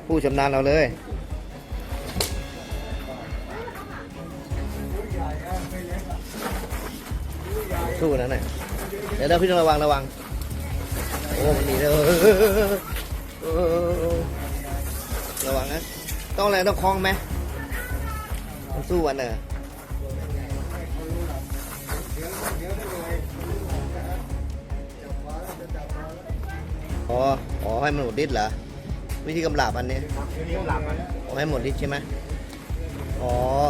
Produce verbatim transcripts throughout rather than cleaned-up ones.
ผู้ชำนาญเราเลยสู้นะเนี่ยเดี๋ยวเราพี่ต้องระวังระวังโอ้มันหนีเลยระวังนะต้องอะไรต้องคล้องไหมต้องสู้วันเนอะอ๋ออ๋อให้มันหมดฤทธิ์เหรอวิธีกำลับอันนี้อ๋อให้หมดฤทธิ์ใช่ไหมอ๋อ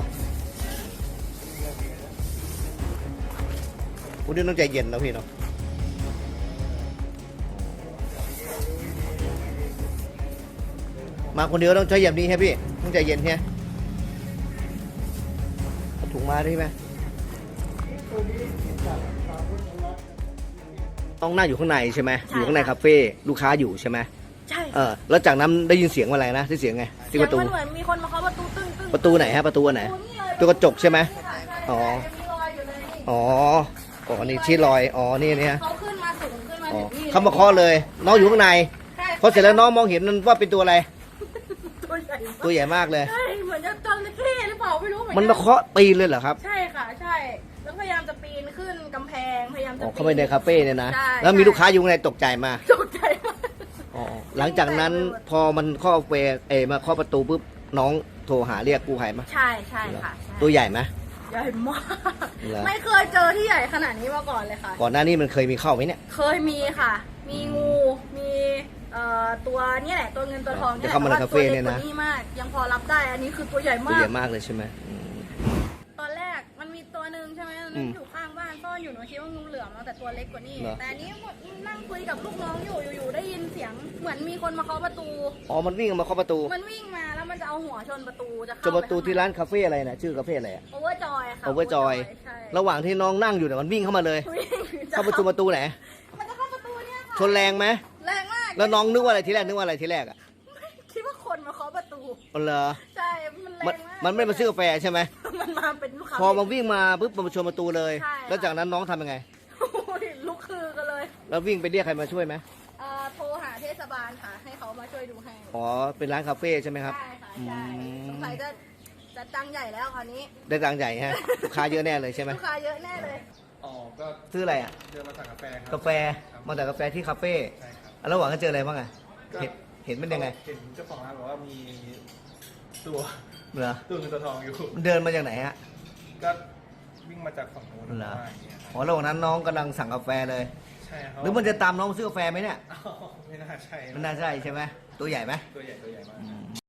คุณนี่ต้องใจเย็นนะพี่เนาะมาคนเดียวต้องใจเย็นนี้ใช่พี่ต้องใจเย็นใช่ไหมถุงมาได้ไหมต้องนั่งอยู่ข้างในใช่ไหมอยู่ข้างในคาเฟ่ลูกค้าอยู่ใช่ไหมใช่เออแล้วจากนั้นได้ยินเสียงอะไรนะที่เสียงไงที่ประตูมันเหมือนมีคนมาเคาะประตูตึ้งตึ้งประตูไหนฮะประตูไหนตัวกระจกใช่ไหมอ๋ออ๋ออ๋อนี่ชี้รอยอ๋อนี่เนี่ยเขาขึ้นมาสูงขึ้นมาอ๋อถึงนี่เขามาเคาะเลยน้องอยู่ข้างในพอเสร็จแล้วน้องมองเห็นมันว่าเป็นตัวอะไรตัวใหญ่ตัวใหญ่มากเลยใช่เหมือนจะจระเข้หรือเปล่าไม่รู้เหมือนมันมาเคาะปีนเลยเหรอครับใช่ค่ะใช่แล้วพยายามจะปีนขึ้นกำแพงพยายามจะอ๋อเข้าไปในคาเฟ่เนี่ยนะใช่แล้วมีลูกค้าอยู่ข้างในตกใจมาตกใจมากอ๋อหลังจากนั้นพอมันเคาะเฟเอมาเคาะประตูปุ๊บน้องโทรหาเรียกกู้ภัยมาใช่ใช่ค่ะใช่ตัวใหญ่ไหมใหญ่มากเหรอไม่เคยเจอที่ใหญ่ขนาดนี้มาก่อนเลยค่ะก่อนหน้านี้มันเคยมีเข้าไหมเนี่ยเคยมีค่ะ มีงูมีเอ่อตัวนี่แหละตัวเงินตัวทองจะเข้ามาในคาเฟ่เนี่ยนะตัวล็กกว่านี้มากยังพอรับได้อันนี้คือตัวใหญ่ตัวมากใหญ่มากเลยใช่ไหมอืมตอนแรกมันมีตัวหนึ่งใช่ไหมมันอืมอยู่ข้างบ้านซ่อนอยู่หนูคิดว่างูเหลือมแล้วแต่ตัวเล็กกว่านี้เหรอแต่อันนี้หมดนั่งคุยกับลูกน้องอยู่อยู่ๆได้ยินเสียงเหมือนมีคนมาเคาะประตูอ๋อมันวิ่งมาเคาะประตูมันวิ่งมาแล้วมันจะเอาหัวชนประตูจะจเข้าประตูที่ร้านคาเฟ่อะไรนะชื่อคาเฟ่อะไรอะโอเวอร์จอยค่ะ Overjoy ใช่ระหว่างที่น้องนั่งอยู่เนี่ยมันวิ่งเข้ามาเลยวิ่งจะเข้าประตูประตูไหนมันจะเข้าประตูเนี่ยค่ะชนแรงไหมแรงมากแล้วน้องนึกว่าอะไรทีแรกนึกว่าอะไรทีแรกอ่ะคิดว่าคนมาเคาะประตูอ๋อเหรอใช่มันแรมันงมากมันไม่มาซื้อกาแฟใช่ไหมมันมาเป็นลูกค้าพอมาวิ่งมาปุ๊บมันมาชนประตูเลยใช่แล้วจากนั้นน้องทำยังไงโอ้ยลุกคือกันเลยแล้ววิ่งไปเรียกใครมาช่วยไหมเอ่อโทรหาเทศบาลค่ะ ให้เขามาช่วยดูให้อ๋อเป็นร้านคาเฟ่ใช่ไหมครับใช่ค่ะอืใช่มสงสัยจะจะจังใหญ่แล้วคราวนี้ได้ตังค์ใหญ่ฮะลูกค้าเยอะแน่เลยใช่ไหมลูกค้าเยอะแน่เลยอ๋อ ก็ซื้ออะไรอ่ะเดินมาสั่งกาแฟครับกาแฟมาแต่กาแฟที่คาเฟ่ใช่ครับแล้วระหว่างก็เจออะไรบ้างอ่ะก็เห็นเห็นมันยังไงเห็นเจ้าของร้านบอกว่ามีตัวเหรอตัวเงินตัวทองอยู่มันเดินมาจากไหนฮะก็วิ่งมาจากฝั่งโน้นเหรอว่าอย่างเงี้ยครับอ๋อระหว่างนั้นน้องกำลังสั่งกาแฟเลยใช่ครับหรือมันจะตามน้องมาซื้อกาแฟไหมเนี่ยอ้าวไม่น่าใช่มันน่าใช่ใช่ไหมตัวใหญ่ไหมตัวใหญ่ตัวใหญ่มาก